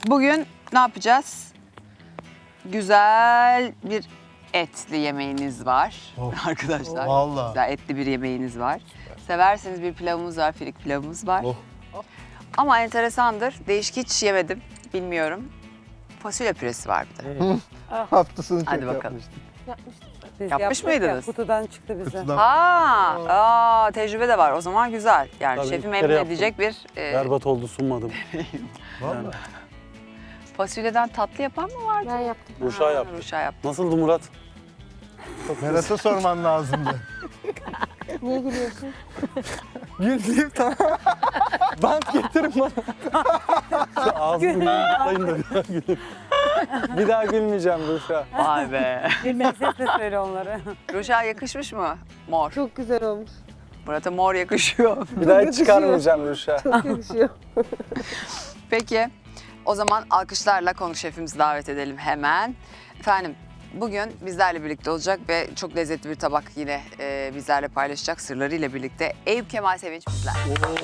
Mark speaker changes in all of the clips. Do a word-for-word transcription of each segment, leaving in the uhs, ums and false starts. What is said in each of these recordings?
Speaker 1: Bugün ne yapacağız? Güzel bir etli yemeğiniz var
Speaker 2: Oh.
Speaker 1: arkadaşlar.
Speaker 2: Vallahi.
Speaker 1: Güzel etli bir yemeğiniz var. Severseniz bir pilavımız var, firik pilavımız var.
Speaker 2: Oh.
Speaker 1: Ama enteresandır, değişik hiç yemedim, bilmiyorum. Fasulye püresi var bir de.
Speaker 2: Hafta sonu
Speaker 1: Hadi
Speaker 2: çok
Speaker 1: bakalım.
Speaker 2: yapmıştık.
Speaker 3: Biz
Speaker 1: Yapmış
Speaker 3: yaptık
Speaker 1: mıydınız?
Speaker 3: Ya, kutudan çıktı bize.
Speaker 2: Kutudan.
Speaker 1: Ha, aa, tecrübe de var. O zaman güzel. Yani
Speaker 4: Tabii,
Speaker 1: şefi
Speaker 4: bir
Speaker 1: memnun
Speaker 4: kere yaptım.
Speaker 1: edecek bir e,
Speaker 4: Berbat oldu, sunmadım.
Speaker 2: Vallahi.
Speaker 1: fasulyeden tatlı yapan mı vardı?
Speaker 5: Ben yaptım.
Speaker 4: Ruşa
Speaker 1: Ha,
Speaker 4: yaptım.
Speaker 1: Ruşa yaptı.
Speaker 4: Nasıldı Murat?
Speaker 2: Berat'a sorman lazımdı.
Speaker 5: Niye gülüyorsun?
Speaker 2: Güldüm tamam. Bant getirin bana.
Speaker 4: Şu ağzımı bir yumurtlayın da bir daha gülün. Bir daha gülmeyeceğim Ruşa.
Speaker 1: Vay be.
Speaker 3: Bilmem sesle söyle onları.
Speaker 1: Ruşa yakışmış mı? Mor.
Speaker 5: Çok güzel olmuş.
Speaker 1: Murat'a mor yakışıyor.
Speaker 4: Bir daha hiç çıkarmayacağım Ruşa.
Speaker 5: Çok yakışıyor.
Speaker 1: Peki, o zaman alkışlarla konuk şefimizi davet edelim hemen. Efendim, bugün bizlerle birlikte olacak ve çok lezzetli bir tabak yine e, bizlerle paylaşacak sırlarıyla birlikte Eyüp Kemal Sevinç bizler.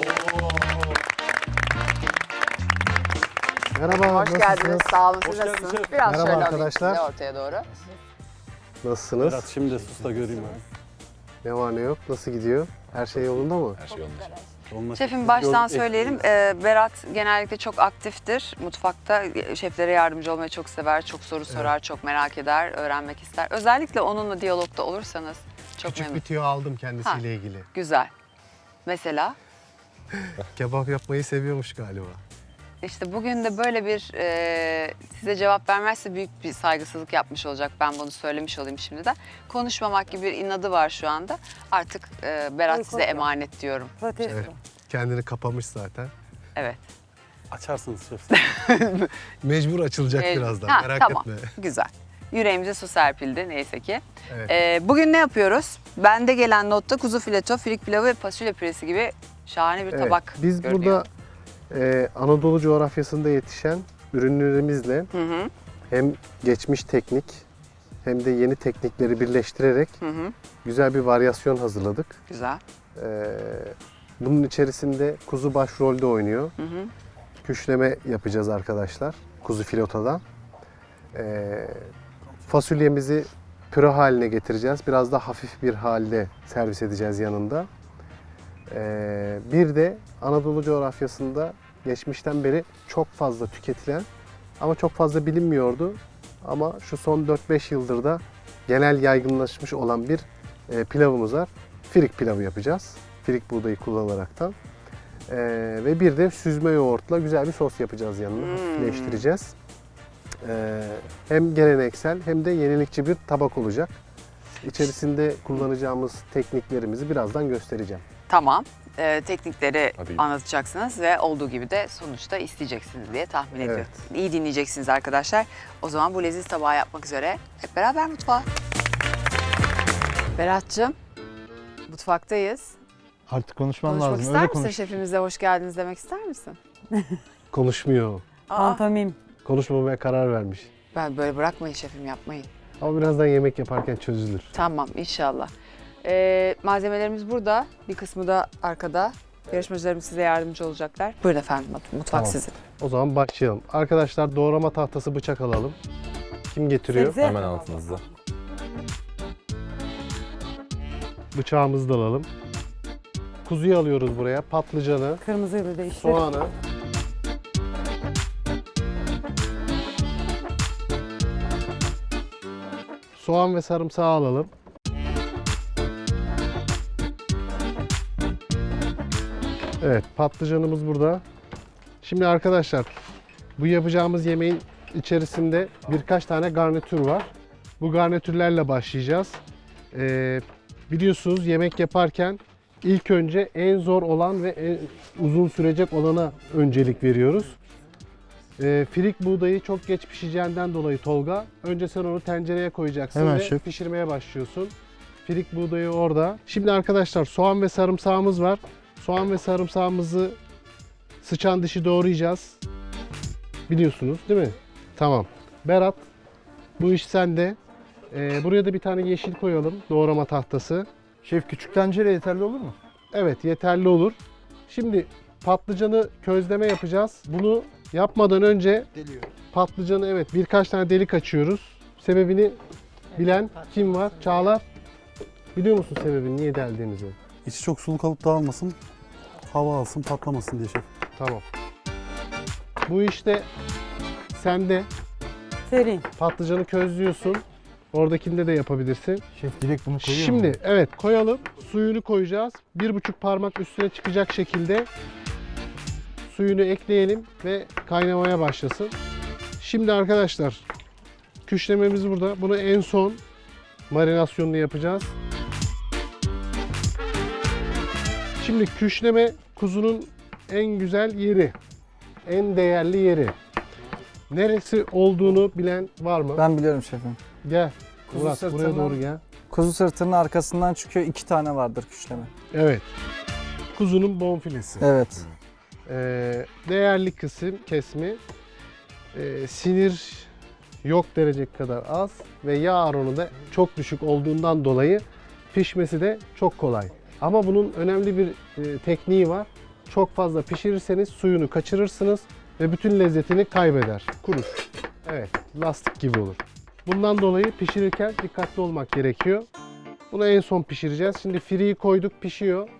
Speaker 6: Merhaba,
Speaker 1: Hoş
Speaker 6: nasılsınız?
Speaker 1: geldiniz, sağ olun. Siz
Speaker 4: Hoş geldiniz
Speaker 1: nasılsınız?
Speaker 4: şef.
Speaker 1: Biraz
Speaker 6: Merhaba
Speaker 1: şöyle alayım
Speaker 6: arkadaşlar.
Speaker 1: sizi ortaya doğru.
Speaker 6: Nasılsınız?
Speaker 4: Berat şimdi de sus da göreyim abi.
Speaker 6: Ne var ne yok? Nasıl gidiyor? Her şey yolunda mı?
Speaker 4: Onunla
Speaker 1: Şefim
Speaker 4: siz
Speaker 1: baştan
Speaker 4: gör-
Speaker 1: söyleyelim. Ee, Berat genellikle çok aktiftir. Mutfakta şeflere yardımcı olmayı çok sever, çok soru sorar, çok merak eder, öğrenmek ister. Özellikle onunla diyalogda olursanız çok
Speaker 6: Küçük
Speaker 1: memnun.
Speaker 6: bir tüyo aldım kendisiyle ilgili.
Speaker 1: Güzel. Mesela
Speaker 6: Kebap yapmayı seviyormuş galiba.
Speaker 1: işte bugün de böyle bir e, size cevap vermezse büyük bir saygısızlık yapmış olacak. Ben bunu söylemiş olayım şimdiden. Konuşmamak gibi bir inadı var şu anda. Artık e, Berat
Speaker 3: Ay,
Speaker 1: size
Speaker 3: korkma.
Speaker 1: emanet diyorum.
Speaker 3: Protesto.
Speaker 6: Evet. Kendini kapamış zaten.
Speaker 1: Evet.
Speaker 4: Açarsınız şef.
Speaker 6: Mecbur açılacak
Speaker 1: Ee,
Speaker 6: birazdan,
Speaker 1: ha,
Speaker 6: merak
Speaker 1: tamam.
Speaker 6: etme.
Speaker 1: Güzel. Yüreğimize su serpildi neyse ki.
Speaker 6: Evet.
Speaker 1: Ee, bugün ne yapıyoruz? Bende gelen notta kuzu fileto, firik pilavı ve fasulye püresi gibi şahane bir
Speaker 6: Evet,
Speaker 1: tabak
Speaker 6: Biz
Speaker 1: görünüyor.
Speaker 6: burada e, Anadolu coğrafyasında yetişen ürünlerimizle
Speaker 1: Hı hı,
Speaker 6: hem geçmiş teknik hem de yeni teknikleri birleştirerek
Speaker 1: hı hı.
Speaker 6: güzel bir varyasyon hazırladık.
Speaker 1: Güzel.
Speaker 6: Ee, bunun içerisinde kuzu başrolde oynuyor.
Speaker 1: Hı hı.
Speaker 6: Küşleme yapacağız arkadaşlar. Kuzu filotodan. Ee, fasulyemizi püre haline getireceğiz. Biraz da hafif bir halde servis edeceğiz yanında. Ee, bir de Anadolu coğrafyasında geçmişten beri çok fazla tüketilen ama çok fazla bilinmiyordu. Ama şu son dört beş yıldır da genel yaygınlaşmış olan bir e, pilavımız var. Firik pilavı yapacağız. Firik buğdayı kullanaraktan. Ee, ve bir de süzme yoğurtla güzel bir sos yapacağız yanına.
Speaker 1: Hmm.
Speaker 6: Hafifleştireceğiz. Ee, hem geleneksel hem de yenilikçi bir tabak olacak. İçerisinde kullanacağımız tekniklerimizi birazdan göstereceğim.
Speaker 1: Tamam. Ee, teknikleri anlatacaksınız ve olduğu gibi de sonuçta isteyeceksiniz diye tahmin
Speaker 6: Evet.
Speaker 1: ediyorum. İyi dinleyeceksiniz arkadaşlar. O zaman bu leziz tabağı yapmak üzere hep beraber mutfağa. Berat'cığım, mutfaktayız.
Speaker 2: Artık konuşman
Speaker 1: Konuşmak
Speaker 2: lazım.
Speaker 1: ister
Speaker 2: Öyle
Speaker 1: misin?
Speaker 2: konuş.
Speaker 1: Şefimize hoş geldiniz demek ister misin?
Speaker 6: Konuşmuyor.
Speaker 1: Aa,
Speaker 3: Pantomim.
Speaker 6: Konuşmamaya karar vermiş.
Speaker 1: ben böyle bırakmayın şefim, yapmayın.
Speaker 6: Ama birazdan yemek yaparken çözülür.
Speaker 1: Tamam inşallah. Ee, malzemelerimiz burada. Bir kısmı da arkada. Yarışmacılarımız size yardımcı olacaklar. Buyurun efendim, mutfak
Speaker 6: Tamam.
Speaker 1: sizin.
Speaker 6: O zaman başlayalım. Arkadaşlar doğrama tahtası, bıçak alalım. Kim getiriyor?
Speaker 3: Sebze.
Speaker 7: Hemen altınızda.
Speaker 6: Bıçağımızı da alalım. Kuzuyu alıyoruz buraya. Patlıcanı,
Speaker 3: Kırmızıyla değişti.
Speaker 6: soğanı. Soğan ve sarımsağı alalım. Evet, patlıcanımız burada. Şimdi arkadaşlar, bu yapacağımız yemeğin içerisinde birkaç tane garnitür var. Bu garnitürlerle başlayacağız. Ee, biliyorsunuz yemek yaparken ilk önce en zor olan ve en uzun sürecek olana öncelik veriyoruz. Ee, firik buğdayı çok geç pişeceğinden dolayı Tolga, önce sen onu tencereye koyacaksın
Speaker 2: Hemen
Speaker 6: ve
Speaker 2: şef.
Speaker 6: pişirmeye başlıyorsun. Firik buğdayı orada. Şimdi arkadaşlar soğan ve sarımsağımız var. Soğan ve sarımsağımızı sıçan dışı doğrayacağız. Biliyorsunuz değil mi? Tamam. Berat, bu iş sende. Ee, buraya da bir tane yeşil koyalım. Doğrama tahtası.
Speaker 2: Şef küçük tencere yeterli olur mu?
Speaker 6: Evet, yeterli olur. Şimdi patlıcanı közleme yapacağız. Bunu Yapmadan önce patlıcanı evet birkaç tane delik açıyoruz. Sebebini bilen kim var? Çağlar. Biliyor musun sebebini niye deldiğimizi?
Speaker 4: İçi çok sulu kalıp dağılmasın, hava alsın, patlamasın diye şef.
Speaker 6: Tamam. Bu işte sende.
Speaker 3: Seri.
Speaker 6: Patlıcanı közlüyorsun. Oradakinde de yapabilirsin.
Speaker 2: Şef direkt bunu koyuyor
Speaker 6: Şimdi
Speaker 2: mu?
Speaker 6: evet koyalım. Suyunu koyacağız. Bir buçuk parmak üstüne çıkacak şekilde suyunu ekleyelim ve kaynamaya başlasın. Şimdi arkadaşlar küşlememiz burada. Bunu en son marinasyonunu yapacağız. Şimdi küşleme kuzunun en güzel yeri. En değerli yeri. Neresi olduğunu bilen var mı?
Speaker 7: Ben biliyorum şefim.
Speaker 6: Gel.
Speaker 7: Kuzu
Speaker 6: Murat buraya
Speaker 7: sırtından-
Speaker 6: doğru gel.
Speaker 7: Kuzu sırtının arkasından çıkıyor. iki tane vardır küşleme.
Speaker 6: Evet. Kuzunun bonfilesi.
Speaker 7: Evet.
Speaker 6: Ee, değerli kısım kesmi. Ee, sinir yok derecek kadar az ve yağ oranı da çok düşük olduğundan dolayı pişmesi de çok kolay. Ama bunun önemli bir e, tekniği var. Çok fazla pişirirseniz suyunu kaçırırsınız ve bütün lezzetini kaybeder. Kurur. Evet, lastik gibi olur. Bundan dolayı pişirirken dikkatli olmak gerekiyor. Bunu en son pişireceğiz. Şimdi friyi koyduk, pişiyor.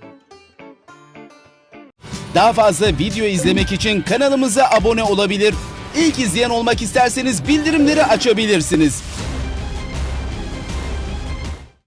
Speaker 8: Daha fazla video izlemek için kanalımıza abone olabilir. İlk izleyen olmak isterseniz bildirimleri açabilirsiniz.